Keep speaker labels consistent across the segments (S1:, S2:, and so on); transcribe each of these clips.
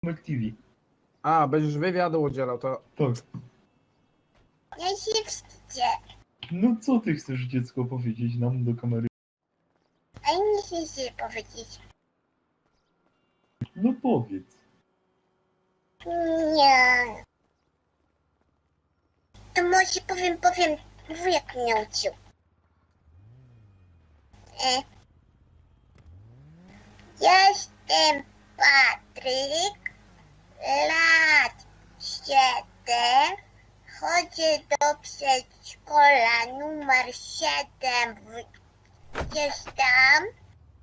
S1: TV.
S2: A, będziesz wywiadu udzielał, to...
S1: Tak.
S3: Ja się wstydzę.
S1: No co ty chcesz, dziecko, powiedzieć nam do kamery?
S3: A nie chcę powiedzieć.
S1: No powiedz.
S3: Nie. To może powiem. Wujek mnie uczył. Jestem Patryk, lat 7, chodzę do przedszkola numer 7 Jestem.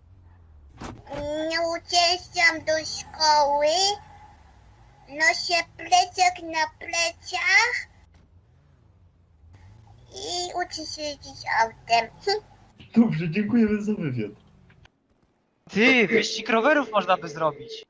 S3: Uciekam do szkoły, noszę plecak na plecach i uczę się jeździć autem.
S1: Dobrze, dziękujemy za wywiad.
S4: Ty, wyścig rowerów można by zrobić.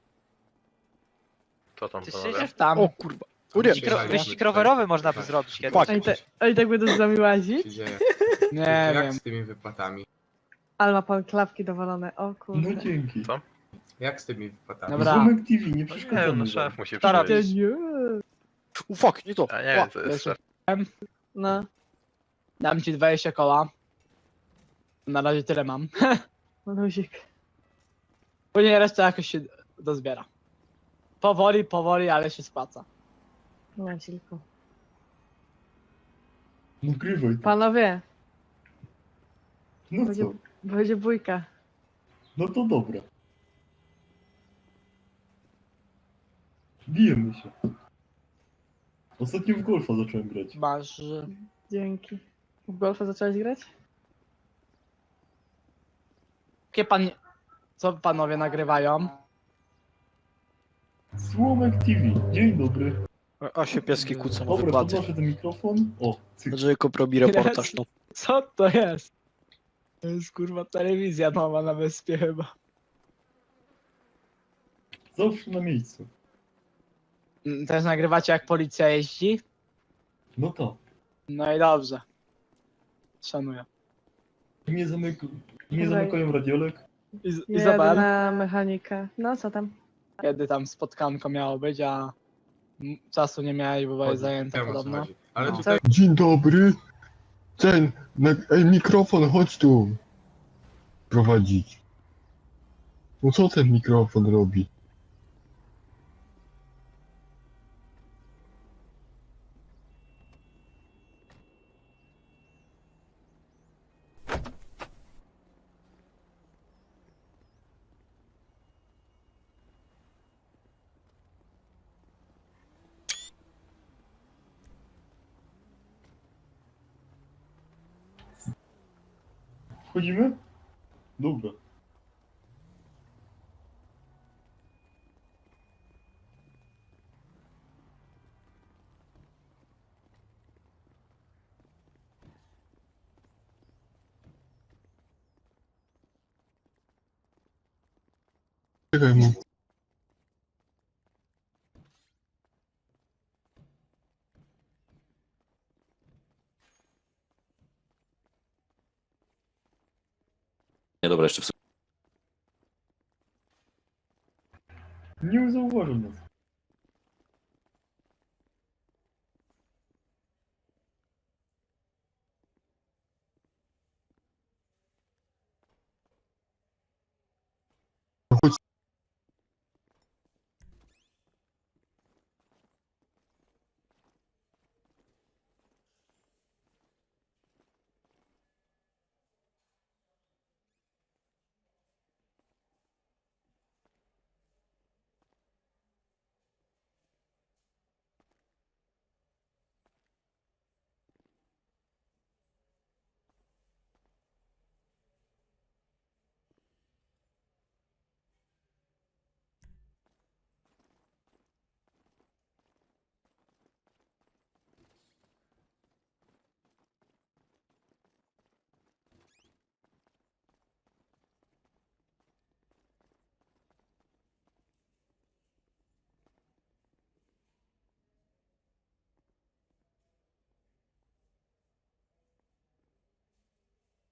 S5: Co tam
S4: Ty
S5: panowie?
S4: siedzisz tam.
S6: O kurwa. O nie.
S4: Wyścig rowerowy można by zrobić kiedyś.
S6: Fuck.
S7: Ej, tak będę z nami łazić?
S2: się dzieje?
S6: Nie
S2: Jak
S6: wiem.
S2: z tymi wypłatami?
S7: Ale ma pan klapki dowalone, o
S1: No
S7: kurde.
S1: dzięki.
S5: Co?
S2: Jak z tymi wypłatami?
S4: Dobra.
S1: Zomek TV, nie
S5: No nie
S1: przeszkadzamy
S5: wiem, no
S1: wam.
S5: szef musi
S4: Co robisz?
S5: przyjść.
S7: Nie.
S6: O fuck, nie to.
S5: A nie wiem, co jest szef.
S7: No,
S6: Dam ci 20 koła. Na razie tyle mam.
S7: luzik.
S6: Później reszta jakoś się dozbiera. Powoli, ale się spłaca.
S7: Łazilku.
S1: Nagrywaj to.
S7: Panowie,
S1: No co?
S7: będzie bójka.
S1: No to dobra. Bijemy się. Ostatnio w golfa zacząłem grać.
S6: Masz...
S7: Dzięki. W golfa zacząłeś grać?
S6: Jakie pan... Co panowie nagrywają?
S1: Słomek TV, dzień dobry.
S8: A się pieski kłócą o
S1: Dobra,
S8: wypłaty.
S1: podnoszę ten mikrofon. O, cyk.
S8: Jacob robi reportaż, no.
S6: Co to jest? To jest kurwa telewizja nowa na wyspie chyba.
S1: Zawsze na miejscu.
S6: Też nagrywacie jak policja jeździ?
S1: No tak.
S6: No i dobrze. Szanuję.
S1: Nie
S7: Dobra.
S1: zamykają radiolek.
S7: Jadę
S6: Izabel,
S7: na mechanikę. No, co tam?
S6: kiedy tam spotkanko miało być, a czasu nie miałeś, bo byłeś zajęta
S2: Wiem, o co
S6: podobno.
S2: chodzi. Ale
S6: No.
S2: tutaj
S9: Dzień dobry. Ej, mikrofon, chodź tu. Prowadzić. No co ten mikrofon robi?
S1: Wchodzimy? Dobra.
S9: Czekaj mu.
S8: Nie, dobra, jeszcze w
S1: Nie zauważył nas.
S9: No chodź.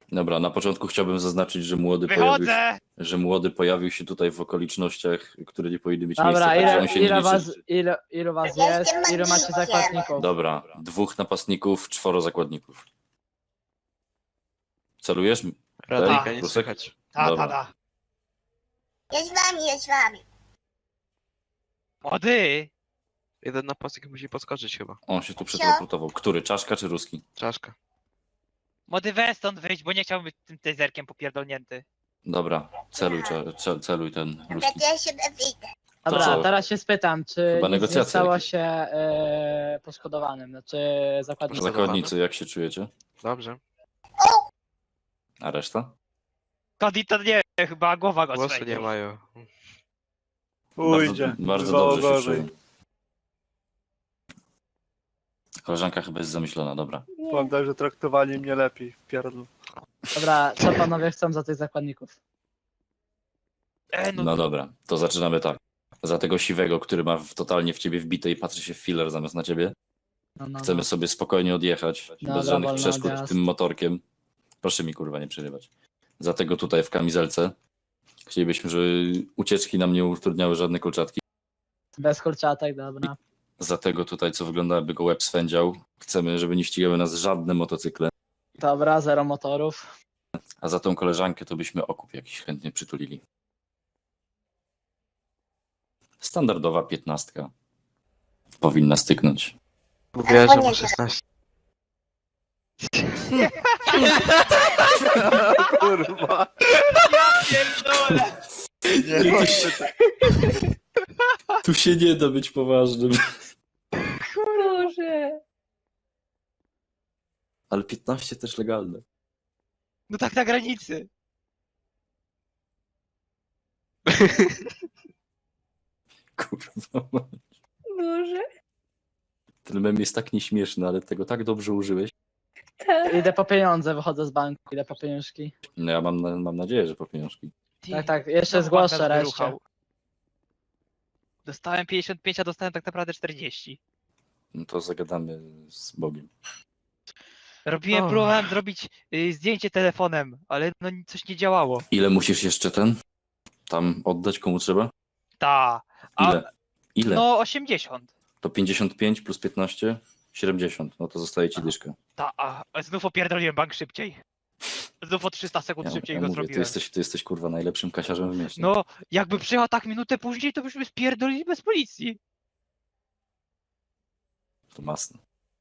S8: Dobra, na początku chciałbym zaznaczyć, że młody pojawił się tutaj w okolicznościach, które nie powinny mieć miejsca,
S6: Dobra,
S8: także on się nie
S6: ile
S8: liczy.
S6: was, ilu was jest? Ilu macie zakładników?
S8: Dobra, 2 napastników, 4 zakładników. Celujesz?
S4: Radyjka,
S8: Tej?
S4: nie
S8: Prusek?
S4: słychać. Ta,
S8: Dobra.
S4: ta.
S3: Jest z wami, jest z wami.
S4: Młody! Jeden napastnik musi podskoczyć chyba.
S8: On się tu przeteleportował. Który? Czaszka czy ruski?
S4: Czaszka. Młody, weź stąd wyjść, bo nie chciałbym być tym taserkiem popierdolnięty.
S8: Dobra, celuj ten
S3: Dobra,
S8: ruski.
S3: to ja się wyjdę.
S6: Dobra,
S8: co?
S6: teraz się spytam, czy
S8: Chyba
S6: nic nie
S8: negocjacje
S6: stało
S8: jakieś.
S6: się poszkodowanym, znaczy zakładnikiem.
S8: Zakładnicy, jak się czujecie?
S4: Dobrze.
S8: A reszta?
S4: Cody to nie, chyba głowa go
S5: Głosy
S4: strzeli.
S5: nie mają.
S8: Bardzo dobrze się czuję. Koleżanka chyba jest zamyślona, dobra.
S7: Nie.
S5: tak, że traktowali mnie lepiej w pierdlu.
S6: Dobra, co panowie chcą za tych zakładników?
S8: No dobra, to zaczynamy tak. Za tego siwego, który ma totalnie w ciebie wbite i patrzy się w filler zamiast na ciebie.
S6: No,
S8: Chcemy sobie spokojnie odjechać,
S6: Dobra,
S8: bez żadnych
S6: wolny
S8: przeszkód
S6: odjazd.
S8: tym motorkiem. Proszę mi kurwa nie przerywać. Za tego tutaj w kamizelce. Chcielibyśmy, żeby ucieczki nam nie utrudniały żadne kolczatki.
S6: Bez kurczatek, dobra.
S8: Za tego tutaj, co wygląda jakby go łeb swędział. Chcemy, żeby nie ścigały nas żadne motocykle.
S6: Dobra, zero motorów.
S8: A za tą koleżankę to byśmy okup jakiś chętnie przytulili. Standardowa 15. Powinna styknąć.
S5: Mówiła, że
S3: Albo nie.
S5: ma 16.
S4: Kurwa. Pierdolę!
S8: Tu się nie da być poważnym.
S7: Boże.
S8: Ale 15 też legalne.
S4: No tak na granicy.
S8: Kurwa.
S7: Boże.
S8: Ten mem jest tak nieśmieszny, ale tego tak dobrze użyłeś.
S7: Tak.
S6: Idę po pieniądze, wychodzę z banku, idę po pieniążki.
S8: No ja mam nadzieję, że po pieniążki.
S6: Tak, jeszcze
S4: Znowu
S6: zgłoszę
S4: bank nas
S6: reszcie.
S4: wyruchał. Dostałem 55, a dostałem tak naprawdę 40.
S8: No to zagadamy z Bogiem.
S4: Próbowałem zrobić zdjęcie telefonem, ale no coś nie działało.
S8: Ile musisz jeszcze tam oddać, komu trzeba?
S4: Ta. A,
S8: Ile? Ile?
S4: no 80.
S8: To 55 plus 15? 70. No to zostaje ci dyszka.
S4: Ta, a znów opierdoliłem bank szybciej. Znów o 300 sekund szybciej go
S8: mówię,
S4: zrobiłem.
S8: ty jesteś kurwa najlepszym kasiarzem w mieście.
S4: No, jakby przyjechał tak minutę później, to byśmy spierdolili bez policji.
S8: To masne.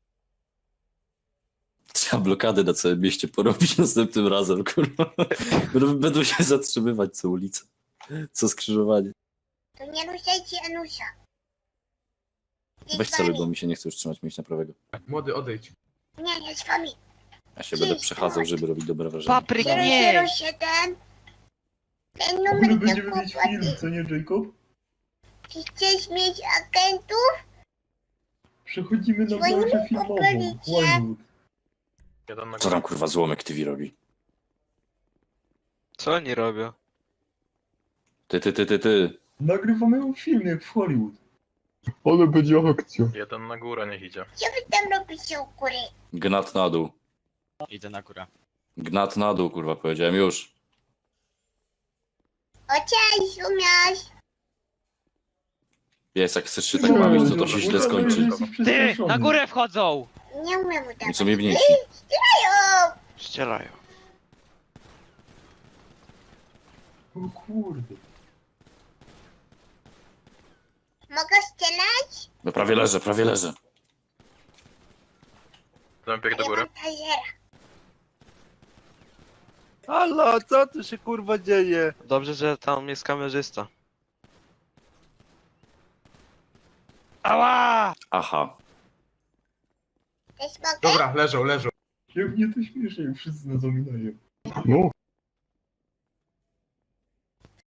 S8: Trzeba blokady na całym mieście porobić następnym razem, kurwa. Będą się zatrzymywać co ulicę. Co skrzyżowanie.
S3: To nie ruszajcie Anusia. Jest
S8: Weź
S3: z
S8: celuj,
S3: wami.
S8: bo mi się nie chce już trzymać mięśnia prawego.
S2: Młody, odejdź.
S3: Nie, jest z wami.
S8: Ja się będę przechadzał, żeby robić dobre wrażenie.
S4: Papryk nie!
S3: 007. Ten
S1: Kurde,
S3: numer to
S1: będziemy mieć
S3: kłopot.
S1: film, co nie, Jacob?
S3: Czy chcesz mieć agentów?
S1: Przechodzimy na
S3: Dzwonimy
S1: branżę
S3: po
S1: filmową.
S3: policję.
S1: Hollywood.
S8: Co tam kurwa złomek TV robi?
S5: Co oni robią?
S8: Ty.
S1: Nagrywamy film jak w Hollywood.
S9: Ale będzie akcja.
S10: Jeden na górę niech idzie.
S3: Co wy tam robicie u góry?
S8: Gnat na dół.
S4: Idę na górę.
S8: Gnat na dół, kurwa, powiedziałem już.
S3: O, cześć, umiasz?
S8: Jest, jak chcesz się tak bawić, to się źle skończy.
S4: Ty! Na górę wchodzą!
S3: Nie umiem
S8: I
S3: udawać.
S8: co mnie wnieci?
S3: Ajo!
S5: Ścielają.
S1: O kurde.
S3: Mogę strzelać?
S8: No prawie leżę.
S10: Bieg do góry.
S3: Ja mam tasera.
S5: Halo, co tu się kurwa dzieje? Dobrze, że tam jest kamerzysta.
S4: Ała!
S8: Aha.
S3: Też mogę?
S2: Dobra, leżą.
S1: Jak mnie to śmieszy, jak wszyscy nas ominają.
S9: No,